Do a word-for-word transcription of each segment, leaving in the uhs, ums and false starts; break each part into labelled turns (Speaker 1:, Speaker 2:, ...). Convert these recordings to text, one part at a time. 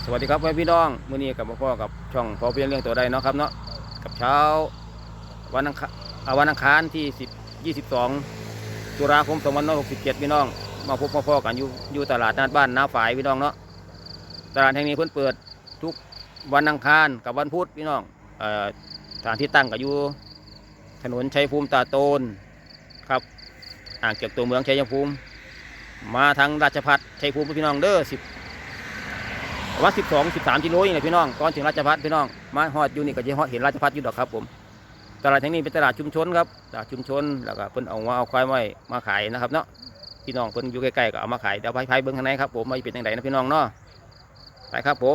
Speaker 1: สวัสดีครับพี่น้องมื้อนี้กับพ่อกับช่องพอเพียงเรื่องตัวใดเนาะครับเนาะกับเช้าวันอังคารวันอังคารที่สิบ ยี่สิบสองตุลาคมสองพันห้าร้อยหกสิบเจ็ดพี่น้องมาพบพ่อกันอยู่อยู่ตลาดนัดบ้านน้าฝายพี่น้องเนาะตลาดแห่งนี้เพิ่นเปิดทุกวันอังคารกับวันพุธพี่น้องเอ่อสถานที่ตั้งก็อยู่ถนนชัยภูมิตาโตนครับห่างจากตัวเมืองชัยภูมิมาทางราชพัฒชัยภูมิพี่น้องเด้อสิบว่าสิบสองสิบสามกิโลอย่างไรพี่น้องก่อนถึงราชพัฒพี่น้องมาฮอดอยู่นี่ก็จะฮอดเห็นราชพัฒอยู่ดอกครับผมตลาดแห่งนี้เป็นตลาดชุมชนครับตลาดชุมชนแล้วก็เพิ่นเอาว่าเอาควายไว้มาขายนะครับเนาะพี่น้องเพิ่นอยู่ใกล้ๆก็เอามาขายเดี๋ยวไปไปเบิ่งข้างในครับผมมาเป็นยังไงนะพี่น้องเนาะไปครับผม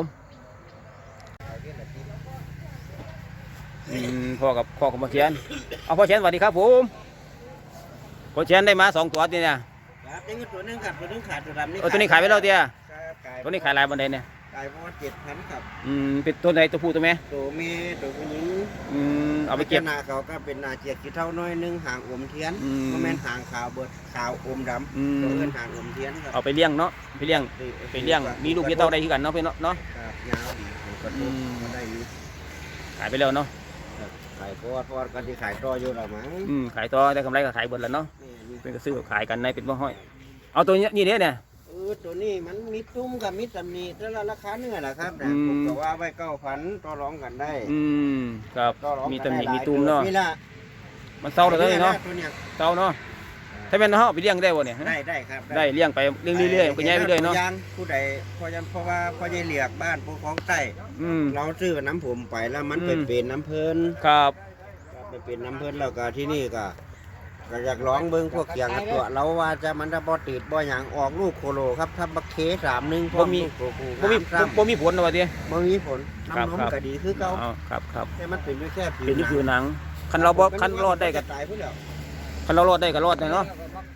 Speaker 1: พ่อกับพ่อของพ่อเชียนเอาพ่อเชียนสวัสดีครับผมพ่อเชียนได้มาสองตัวนี่เนี่ย
Speaker 2: ครับนี่ตัวนึงครับตัวนึงขาดตัวดำนี่
Speaker 1: ตัวนี้ขายไปแล้วเตี้ยตัวนี้ขายลายบันไดเนี่ย
Speaker 2: ขายประมาณเจ็ดพันครับ
Speaker 1: อืมเป็นตัวไหนตัวผู้ตัวแม่
Speaker 2: ตัวเมียตัวผู้หญิง
Speaker 1: อืมเอาไปเก็บ
Speaker 2: นาเขาก็เป็นนาเจียกี่เท่าน้อยนึงหางอมเทียนก็แม่นหางขาวเบิดขาวอมดำตัวเงินหางอมเทียนครับ
Speaker 1: เอาไปเลี้ยงเนาะไปเลี้ยงไปเลี้ยงมีลูกมีเต้าได้ที่กันเนาะพี่เนาะเนาะ
Speaker 2: ครับยาวดีกระตุ้นได้อยู่
Speaker 1: ขายไปแล้วเนาะ
Speaker 2: ขายทอดทอดกันที่ขายต่ออยู่หรอมั้ง
Speaker 1: อืมขายต่อได้กำไรก็ขายเบิดแล้วเนาะเป็นก็ซื้อขายกันในเป็นบ่ห้อยเอาตัวนี้นี่เนี่ยเนี่ย
Speaker 2: เออตัวนี้มันมีตุ้มกับมีตำหนิแต่ละราคาเนื้อแหละครับแต่ผมก็ว่าไว้เก้าพันต่อรองกันได้
Speaker 1: อืมครับมีตำหนิมีตุ้มเนาะมันเศร้าเลยเนาะเศร้าเนาะถ้าเป็นเฮาไปเลี้ยงได้บ่เนี่ย
Speaker 2: ได้ได้ครับ
Speaker 1: ได้เลี้ยงไปเลี้ยงเรื่อยๆก็ย้ายไปเรื่อยเนาะ
Speaker 2: ผู้ใดพอยันเพราะว่าพอจะเลียกบ้านพวกของใต้เราซื้อน้ำผมไปแล้วมันเป็นเป็นน้ำเพลิน
Speaker 1: ครับ
Speaker 2: เป็นเป็นน้ำเพลินแล้วก็ที่นี่ก็ก็อยากร้องเบิ้งพวกเสียงตัวเราว่าจะมันจะบ่ติดบ่อย่างออกลูกโคโลครับถ้าบักเคสามหนึ่ง
Speaker 1: บ่มีบ่มีบ่มีผลนะวะเตี้ย
Speaker 2: บ่มีผลน้ำนมก็ดีคือเก่า
Speaker 1: ครับครับ
Speaker 2: แต่มันเป็นแค่ผิว
Speaker 1: เป็นผิวหนังคันเราบ่คันรอดได้ก็คันเรารอดได้ก็รอดได้เนาะ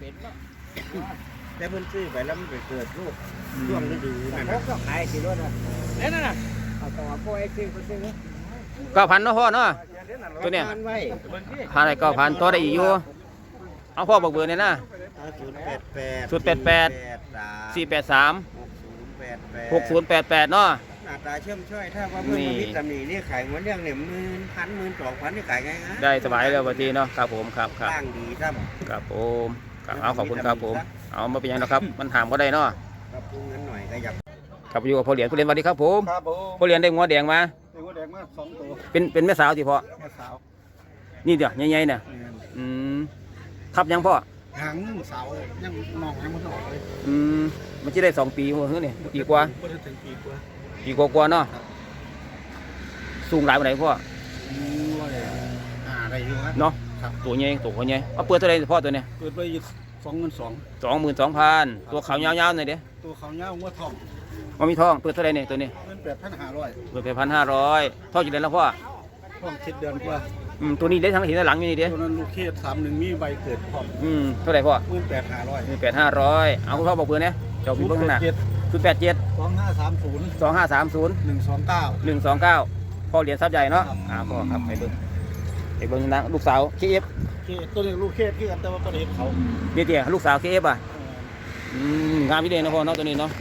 Speaker 2: แต่เพิ่นซื้อไปแล้วมันไปเกิดลูกช่วงฤดูนั่นน่ะก็ขายสิรถน่ะเด้นั่นน่ะเอาต่อพ่อไอ้ซื้อเพิ่นซื้อ
Speaker 1: เก้าพันเนาะพ่อเนาะตัวเนี้ยหาได้เก้าพันต่อได้อีกอยู่เอาพ่อบอกเบอร์เนี่ยนะ
Speaker 2: ศูนย์แปดแปด
Speaker 1: ศูนย์แปดแปดสี่แปดสามหกศูนย์แปดแปดเนาะ
Speaker 2: หน้าตาเชื่อมช่วยถ้าว่าเพื่อนมาพิจารณานี่ขายหัวเรื่องเนี่ยหมื่นพันหมื่นสองพันนี่ขายง่ายๆ
Speaker 1: ได้สบายเลยวันทีเนาะครับผมครับครับ
Speaker 2: ตั้งดีครับ
Speaker 1: ครับผมเอาขอบคุณครับผมเอามาเป็นยังนะครับมันถามก็ได้เนาะ
Speaker 2: ครับพูดงั้นหน่อยก็อยาก
Speaker 1: ครับอยู่กับพ่อเหรียญพ่อเหรียญสวัสดีครับผมพ่อเหรียญได้งัวแดงมา
Speaker 2: งัวแดงมาสองตัว
Speaker 1: เป็นเป็นแม่สาวสิพ่อ
Speaker 2: แม่สาว
Speaker 1: นี่เดี๋ยวใหญ่ๆเนี่ยอืมทับยังพ่อ
Speaker 2: หางสาวยังมองยังไม่ออกเลย
Speaker 1: อืมมันจะได้สองปีหัวเฮ้ยนี่ปีกว่า
Speaker 2: ถึงปีกว่า
Speaker 1: ปีกว่าเนาะสูงหลายวันไหนพ่อ
Speaker 2: อ่าได้อยู่ครับ
Speaker 1: เนาะตัวใหญ่ตัวใหญ่เอาเปิดเท่าไรพ่อตัวเนี้ย
Speaker 2: เปิดไปสองหมื่นสอง
Speaker 1: สองหมื่นสองพันตัวขาวยาวๆหน่อยเด้
Speaker 2: ตัวขาวยาวว่าทอง
Speaker 1: ว่ามีทองเปิดเท่าไรเนี่ยตัวนี้
Speaker 2: เงินแปดพันห้าร้อย
Speaker 1: เปิดแปดพันห้าร้อยทองกี่เดือนแล้วพ่อ
Speaker 2: ทองเจ็ดเดือนกว่า
Speaker 1: อืมตัวนี้ได้ทั้งทีทั้งหลังอยู่นี่เด้
Speaker 2: ตัวนั้นลูกเคสสามหนึ่งมีใบเกิดพร้อม
Speaker 1: อืมเท่าไรพ่อ
Speaker 2: เงินแปดห้าร้อย
Speaker 1: เงินแปดห้าร้อยเอาคุณพ่อบอกเบอร์เนี่ยเจ้าพี่เบิ้งข้างหน้าศูนย์แปดเจ็ด
Speaker 2: สองห้าสามศูนย์
Speaker 1: สองห้าสามศูนย์
Speaker 2: หนึ่งสองเก้า
Speaker 1: หนึ่งสองเก้าพ่อเหรียญทรัพย์ใหญ่เนาะอ่าพ่อครับไปเบิ้งไปเบิ้งนะลูกสาวเคเอฟ
Speaker 2: ตัวนี้ลูกเคสที่กันแต่ว่าประเด็นเขา
Speaker 1: เดี๋ยวลูกสาวเคเอฟอ่ะอืมงามวิเดนนะพ่อเนาะตัวนี้เนาะ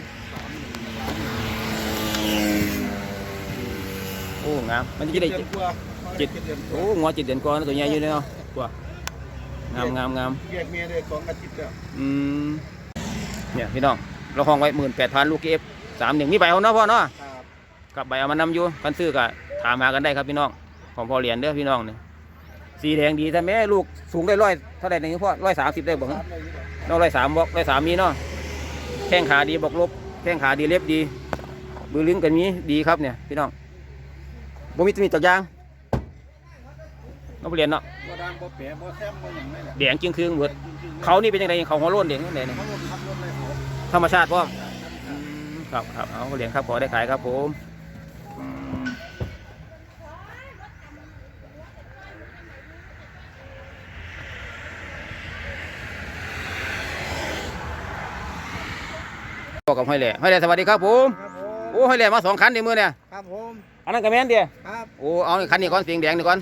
Speaker 1: โอ้งามมันจะได้จิตโอ้งอจิตเด่นกว่าตัวใหญ่อยู่เนาะตัวงามงามงาม
Speaker 2: แยกเมียได้สองอาทิตย์แล้ว
Speaker 1: อืมเนี่ยพี่น้องเราห้องไว้หมื่นแปดพันลูกเอฟสามหนึ่งมีใบเอาเนาะพ่อเนาะกับใบเอามานำอยู่กันซื้อกับถามหากันได้ครับพี่น้องของพ่อเหรียญเด้อพี่น้องเนี่ยสีแดงดีแต่แม่ลูกสูงได้ร้อยเท่าไหร่เนี่ยพ่อร้อยสามสิบได้บอกเนาะร้อยสามบอกร้อยสามมีเนาะแข้งขาดีบอกลบแข้งขาดีเล็บดีมือลิ้นกันมีดีครับเนี่ยพี่น้องบ่มีตัวนี้ตัวยางน้องเรียนเนาะแดงจึงคืองเบิดเขานี่เป็นยังไงเขาหัวโล้นเด็กนั่นเองธรรมชาติพ่อครับครับเอาเหรียญครับขอได้ขายครับผมกับห้อยแหล่ห้อยแหล่สวัสดีครับผมโอ้ห้อยแหล่มาสองคันในมือเนี่ย
Speaker 2: ครับผม
Speaker 1: อันนั้นกระแมนเดีย
Speaker 2: ครับ
Speaker 1: โอ้เอาคันนี้ก้อนสีแดงนี่ก้อน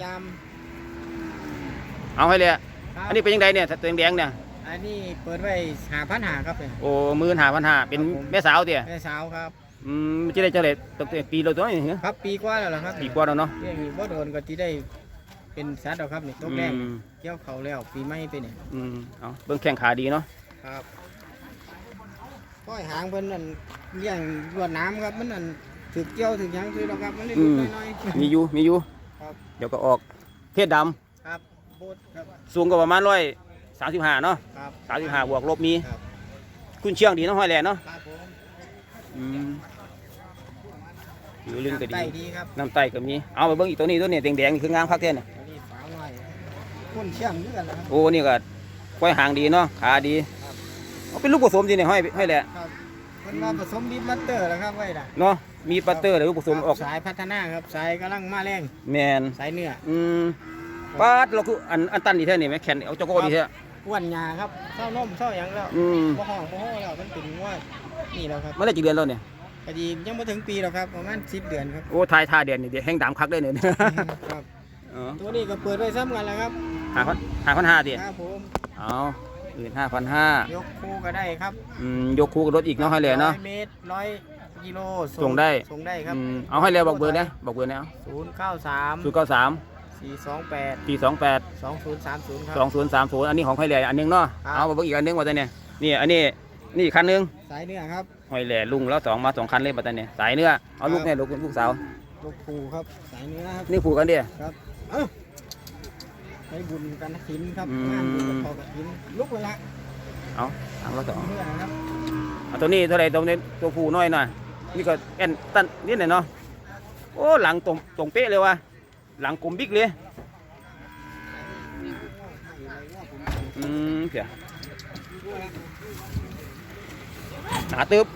Speaker 1: เอาห้อยแหล่อันนี้เป็นยังไงเนี่ยตัวแดงเนี่ย
Speaker 2: อันนี้เปิดไว้หาพันหาครับ
Speaker 1: โอ้หมื่นหาพันหาเป็นแม่สาวเดีย
Speaker 2: แม่สาวครับ
Speaker 1: ออืมมันจะได้จังได๋ตั้งแต่ปีเราตัวนี้เหรอ
Speaker 3: ครับปีกว่าแล้วล่ะครับ
Speaker 1: ปีกว่าแล้วเนาะ
Speaker 3: เรื่องนี้บ่โดนก็ที่ได้เป็นสัตว์แล้วครับนี่ตกแรก
Speaker 1: อืม
Speaker 3: เกี่ยวเขาแล้วปีใหม่ไปเนี่ย
Speaker 1: อืมเอาเบิ่งแข้งขาดีเนาะ
Speaker 3: ครับก้อยหางเพิ่นนั่นเลี้ยงรวดน้ำครับมันนั่นถึกเกี่ยวถึกหยังคือแล้วครับมันเล็ก
Speaker 1: อืม
Speaker 3: น้อย
Speaker 1: มีอยู่มีอยู่
Speaker 3: ครับ
Speaker 1: เดี๋ยวก็ออกเพศดำ
Speaker 3: ๆครับโบดครับ
Speaker 1: สูงก็ประมาณร้อยสามสิบห้าเนาะ
Speaker 3: ครับ
Speaker 1: สามสิบห้าบวกลบมี
Speaker 3: ครับ
Speaker 1: คุณเชียงดีเนาะห้อยแหล่เนาะ
Speaker 3: ครับผม
Speaker 1: อืมผิวลึงก็ดี
Speaker 3: ไตดีครับ
Speaker 1: น้ำไตก็มีเอาไปเบิ่งอีกตัวนี้ตัวนี้แดงๆนี่คืองามคักแท้เนี่ย
Speaker 3: อันนี้สาวน้อยคนเชี่ยงด้วยกันนะครับ
Speaker 1: โอ้นี่ก็ก้อยหางดีเนาะขาดี
Speaker 3: ครับ
Speaker 1: เอาเป็นลูกผสมดีเนี่ยห้อยห้อยแหล่
Speaker 3: ครับเพิ่นว่าผสมดิบมัตเตอร์แล้วครับไว้ล่ะ
Speaker 1: เนาะมีปัตเตอร์หรือลูกผสมออก
Speaker 3: สายพัฒนาครับสายกำลังมาแรง
Speaker 1: แมน
Speaker 3: สายเนื้อ
Speaker 1: อืมปาดเราคืออันอันตันดีแท้นี่ไหมแขนเอาเจ้าโก้ดีแท้
Speaker 3: อ้วนหยาครับเศร้านมเศร้าหยังแล้ว
Speaker 1: อืม
Speaker 3: บ่ห้องบ่ห้องแล้วมันเป็นงว่านี่แล้วครับ
Speaker 1: มันได้กี่เดือนแล้วเนี่ย
Speaker 3: พอดียังไม่ถึงปีหรอกครับประมาณสิบเดือนครับ
Speaker 1: โอ้ทายท่าเดือนนี่เดี๋ยวแห้งดำคักได้เนี่ย
Speaker 3: ครับ
Speaker 1: อ๋อ
Speaker 3: ตัวนี้ก็เปิดไว้ซ้ำกันแล้วครับ
Speaker 1: หาพันหาพันห้าดิ
Speaker 3: ครับผม
Speaker 1: เอาอื่นห้าพันห้าย
Speaker 3: กคู่ก็ได้ครับ
Speaker 1: อืมยกคู่กับรถอีกเนาะให้เลยเนาะ
Speaker 3: ร้อยเมตรร้อยกิโล
Speaker 1: ส่งได้
Speaker 3: ส่งได้ครับ
Speaker 1: อืมเอาให้เลยบอกเบอร์นะบอกเบอร์นะ
Speaker 3: ศูนย์เก้าสาม
Speaker 1: ศูนย์เก้าสาม
Speaker 3: สี่สองแปด
Speaker 1: สี่สองแปด
Speaker 3: สองศูนย์สามศูนย์ครั
Speaker 1: สองศูนย์สามศูนย์อันนี้ของให้เลยอันหนึงเนาะ
Speaker 3: ครับ
Speaker 1: เอามาเบิ่งอีกอันหนึงมาตอนเนี่ยนี่อันนี้นี่อีกคันหนึง
Speaker 3: สายเนื้อครับ
Speaker 1: ห้อยแหล่ลุงแล้วสองมาสองคันเลยมาตอนเนี่ยสายเนื้อเอาลูกเนี่ยลูกลูกสาว
Speaker 3: ลูกปูครับสายเนื้อครับ
Speaker 1: นี่ผูกกันดิ
Speaker 3: ครับเอ้าให้บุญกันหินครับ
Speaker 1: อืม
Speaker 3: งานบุญกับพอกับหินลุกไปละ
Speaker 1: เอาทางละสอง
Speaker 3: เนื้อครับ
Speaker 1: เอาตัวนี้เท่าไหรตัวนี้ตัวผูน้อยหน่อยนี่ก็แอนตันนิดหน่อยเนาะโอ้หลังตรงตรงเป๊ะเลยว่ะหลังกลมบิ๊กเลยอืมเพียหนาตึบ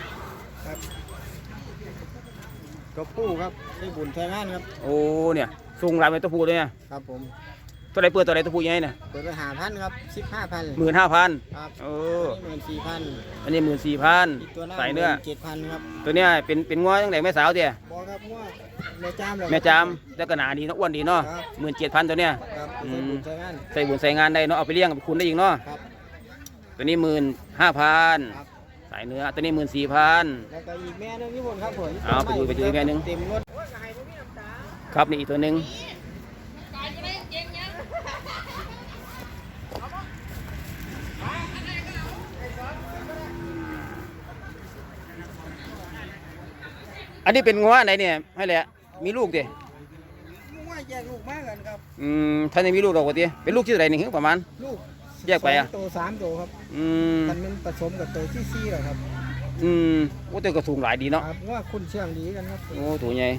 Speaker 3: ตัวปูครับได้บุญใช้งานครับ
Speaker 1: โอ้เนี่ยสูงหลายเป็นตัวผูเลยเนี่ย
Speaker 3: ครับผม
Speaker 1: ตัวไหนเปิดตัวไหนตัวผูยังไงเนี่ย
Speaker 3: เปิดไปหาพันครับสิบห้าพัน
Speaker 1: หมื่นห้าพัน
Speaker 3: ครับ
Speaker 1: เออ
Speaker 3: หมื่นสี่พัน
Speaker 1: อันนี้หมื่นสี่พัน
Speaker 3: อีกตัวหน้า
Speaker 1: ใส่เนื้อ
Speaker 3: เจ็ดพันครับ
Speaker 1: ตัวเนี้ยเป็นเป็นง้อตั้งแต่แม่สาวเดีย
Speaker 3: บอกครับว่าแม่จามเลย
Speaker 1: แม่จามแล้วก็หนาดีเนาะอ้วนดีเนาะ
Speaker 3: ครับ
Speaker 1: หมื่นเจ็ดพันตัวเนี้ย
Speaker 3: ครับ
Speaker 1: อื
Speaker 3: ใช้
Speaker 1: ม
Speaker 3: บุญใช้งาน
Speaker 1: ใส่บุญใส่งานได้เนาะเอาไปเลี้ยงกับคุณได้อีกเนาะ
Speaker 3: ครับ
Speaker 1: ตัวนี้หมื่นห้าพัน
Speaker 3: ครับ
Speaker 1: สายเนื้อตัวนี้หมื่นสี่พัน
Speaker 3: แล้วก็อีกแม่หนึงพี่บนครับผม
Speaker 1: เอาไปดูไปดูอีกแม่หนึ่ง
Speaker 3: เต็มรถ
Speaker 1: ครับนี่อีกตัวหนึ่งอันนี้เป็นงัวไหนเนี่ยให้แหละมีลูกดิ
Speaker 3: ว่าแยกลูกมากกันครับ
Speaker 1: อืมท่านยังมีลูกดอกกว่าดิเป็นลูกที่ไหนนี่ประมาณ
Speaker 3: ลูก
Speaker 1: แยกไปอะ
Speaker 3: สงตัวสามตัวครับ
Speaker 1: อืม
Speaker 3: มันเป็นผสมกับตัวที่สี่เหรอครับ
Speaker 1: อืมโอ้แต่ก็สูงหลายดีเนาะ
Speaker 3: ครับว่าคุณเชื่องดีกันครับ
Speaker 1: โอ้ตัวใหญ่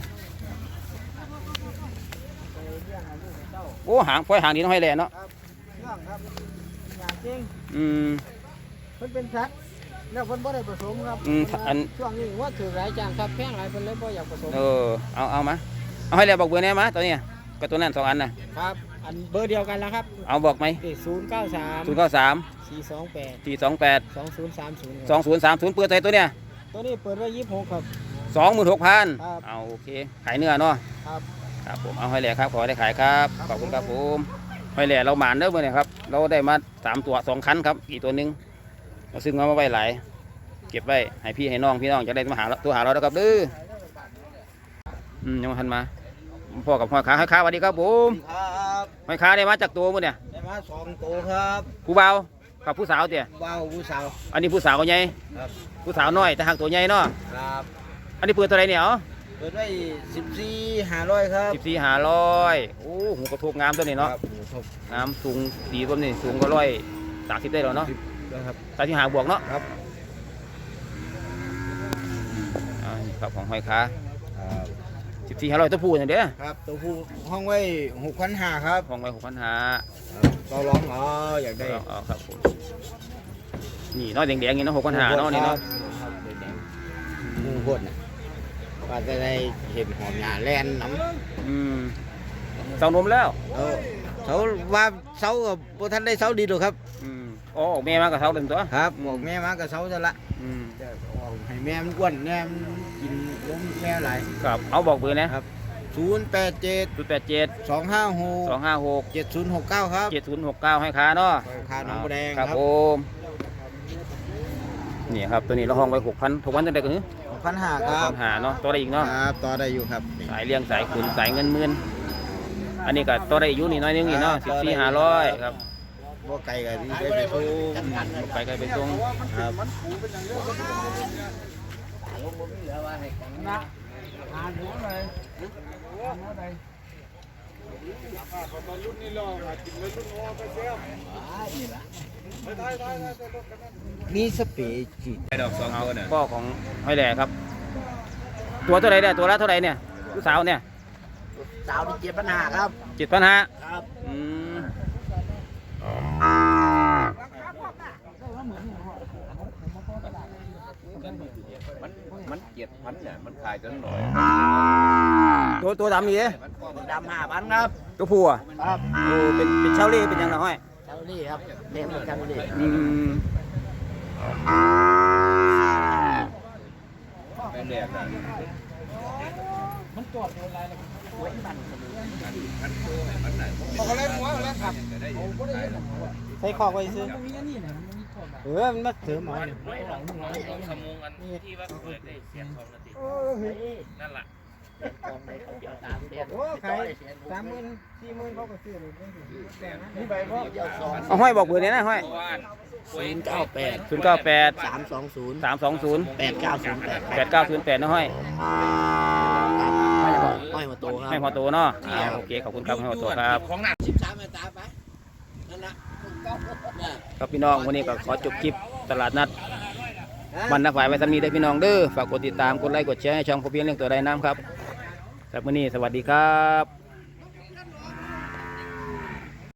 Speaker 1: โอ้หางปล่อยหางดีเน้องให้แหละเนาะ
Speaker 3: ครับเชื่องครับอย่างจริง
Speaker 1: อืม
Speaker 3: มันเป็นสัตว์แล้วเพิ่นบ่ได้ผสมครับ
Speaker 1: อืม
Speaker 3: เพิ่ว่า
Speaker 1: อัน
Speaker 3: ช่วงนี้ว่าถือหลายจางครับแพงหลายเพิ่นเลยบ่อยากผสม
Speaker 1: เออเอาเอามาเอาให้แหละบอกเบอร์แน่มาตัวเนี้ยกับตัวนั้นสองอันน่ะ
Speaker 3: ครับ อันเบอร์เดียวกันแล้วครับ
Speaker 1: เอาบอกไหม
Speaker 3: ศูนย์เก้าสาม
Speaker 1: ศูนย์เก้าสาม
Speaker 3: สี่สองแปด
Speaker 1: สี่สองแปด
Speaker 3: สองศูนย์สามศูนย์
Speaker 1: สองศูนย์สามศูนย์เปิดใจตัวเนี้ย
Speaker 3: ตัวนี้เปิดไว้ยี่สิบหกครับ
Speaker 1: สองหมื่นหกพัน
Speaker 3: ครับ
Speaker 1: เอาโอเคขายเนื้อเนาะ
Speaker 3: ครับ
Speaker 1: ครับผมเอาให้แหล่ครับขอได้ขายครับ
Speaker 3: ครับ
Speaker 1: ขอบคุณครับผมให้แหล่เราหมานเด้อเมื่อนี้ครับเราได้มาสามตัวสองคันครับอีกตัวหนึงเราซึ่งเอามาไว้หลายเก็บไว้ให้พี่ให้น้องพี่น้องจะได้มาหาเราตัวหาเราแล้วครับเด้ออืมยังไม่ทันมาพ่อกับพ่อค้าให้ค้าสวัสดีครับผม
Speaker 2: ครับ
Speaker 1: ให้ค้าได้มาจากตัวมื่อเนี่ย
Speaker 2: ได้มาสองตัวครับ
Speaker 1: ผู้เบาวกับผู้สาวเตี่ย
Speaker 2: ว้าวผู้สาว
Speaker 1: อันนี้ผู้สาวใหญ่
Speaker 2: ครับ
Speaker 1: ผู้สาวน้อยแต่หากตัวใหญ่เนาะ
Speaker 2: ครับ
Speaker 1: อันนี้เปิดตัวไหนเนี่ยอ๋อ
Speaker 2: เปิดไว้สิบสี่ห้าร้อยครับ
Speaker 1: สิบสี่หาร้อยโอ้หูกระทบงามตัวนี้เนาะ
Speaker 2: ครับหมูทบ
Speaker 1: งามสูงดีตัวนี้สูงก็ร้อยสามสิบได้แล้วเนาะ
Speaker 2: นะครับ
Speaker 1: สามสิบหาบวกเนาะ
Speaker 2: ครับ
Speaker 1: อ่านี่ครับของห้อยค้า
Speaker 2: ครับ
Speaker 1: สิบสี่ห้าร้อยตัวผู้อย่างเด้อ
Speaker 2: ครับตัวผู้ห้องไว้หกพันห้าครับ
Speaker 1: ของไว้หกพันหา
Speaker 2: เราร้องอ๋ออยากได้
Speaker 1: เอาเอาครับผมนี่เนาะแดงๆอย่างนี้เนาะหกพันหาเนาะนี่เนาะ
Speaker 2: ครับแดงๆหมูบดน่ะว่าจะได้เห็นหอมหยาแลนน้ำ
Speaker 1: อืมเสานมแล้ว
Speaker 2: เออเขาว่าเสากับพท่านได้เสาดีหรอกครับ
Speaker 1: อืมอ๋อออกแม่มากับเสาเต็มตัว
Speaker 2: ครับหมวกแม่มากับเสาจะละ
Speaker 1: อืม
Speaker 2: จะออกให้แม่มันอ้วนแม่มันกินล้มแม่หลาย
Speaker 1: ครับเอาบอกเบอร์นะครับ
Speaker 2: ศูนย์แปดเจ็ด
Speaker 1: ศูนย์แปดเจ็ด
Speaker 2: สองห้าหก
Speaker 1: สองห้าหก
Speaker 2: เจ็ดศูนย์หกเก้าครับ
Speaker 1: เจ็ดศูนย์หกเก้าให้ค้าเนาะ
Speaker 2: คาหนองบัวแดง
Speaker 1: ครับ
Speaker 2: ครับ
Speaker 1: ผมนี่ครับตัวนี้เราห้องไว้หกพันหกพันตั้งแต่กัน
Speaker 2: หก
Speaker 3: พันห้าค
Speaker 1: ปั
Speaker 3: รับ
Speaker 1: ญหาเนาะตัวได้อีกเนาะ
Speaker 3: ครับต่อได้อยู่ครับ
Speaker 1: สายเลี้ยงสายขุนสายเงินหมื่นอันนี้ก็ตัวได้อยู่นี่น้อยนึงนี่เนาะสิบสี่ห้าร้อยครับ
Speaker 3: บ่ไก่กับที่ได้ไปสู้
Speaker 1: ไปไกลไปส่ง
Speaker 3: ครับ มีสเปรย์จีด
Speaker 1: เอาพ่อของห้อยแหล่ครับ ตัวเท่าไหร่เนี่ยตัวละเท่าไหร่เนี่ยลูกสาวเนี่ย
Speaker 3: สาวที่เจ็ดปัญหาครับ
Speaker 1: เจ็ดพันห้า
Speaker 3: ครับ
Speaker 1: อืม
Speaker 4: มันมันเจ็ดพันเนี่ยมันขายจนหน่อย
Speaker 1: ตัวตัวดำนี่เด้
Speaker 3: ดำห้าพันครับ
Speaker 1: ตัวผู้อ่ะ
Speaker 3: ครับ
Speaker 1: โอ้เป็นเป็นเชาเล่เป็นยังไงห้อย
Speaker 3: เจ้าลี่ครับเลี้ยงเหมือนกันเลย
Speaker 1: อืม
Speaker 4: ไม่เรียกนะ
Speaker 3: ใส่คอกไว้ซื้อเออมันมาเสริมหมอนี่โอ้ขายสามหมื่นสี่หมื่นเขาก็ซื้อเลยนี่ใบพ่อ
Speaker 1: เอาห้อยบอกเบอร์เนี่ยนะห้อย
Speaker 3: ศูนย์เก้าแปด
Speaker 1: ศูนย์เก้าแปด
Speaker 3: สามสองศูนย์
Speaker 1: สามสองศูนย์
Speaker 3: แปดเก้าศูนย์แปด
Speaker 1: แปดเก้าศูนย์แปดนะห้อย
Speaker 3: ห้อยมาโตครับ
Speaker 1: ให้พอโตเนาะอ่าโอเคขอบคุณครับให้พอโตครับ
Speaker 3: สิบสามมาตาไปนั่นนะครับ
Speaker 1: พี่น้องวันนี้ก็ขอจบคลิปตลาดนัดมันนักฝ่ายไว้สำนีได้อพี่น้องเด้อฝากกดติดตามกดไลค์กดแชร์ให้ช่องพอเพียงเรื่องตัวใดน้ำครับสำหรับวันนี้สวัสดีครับ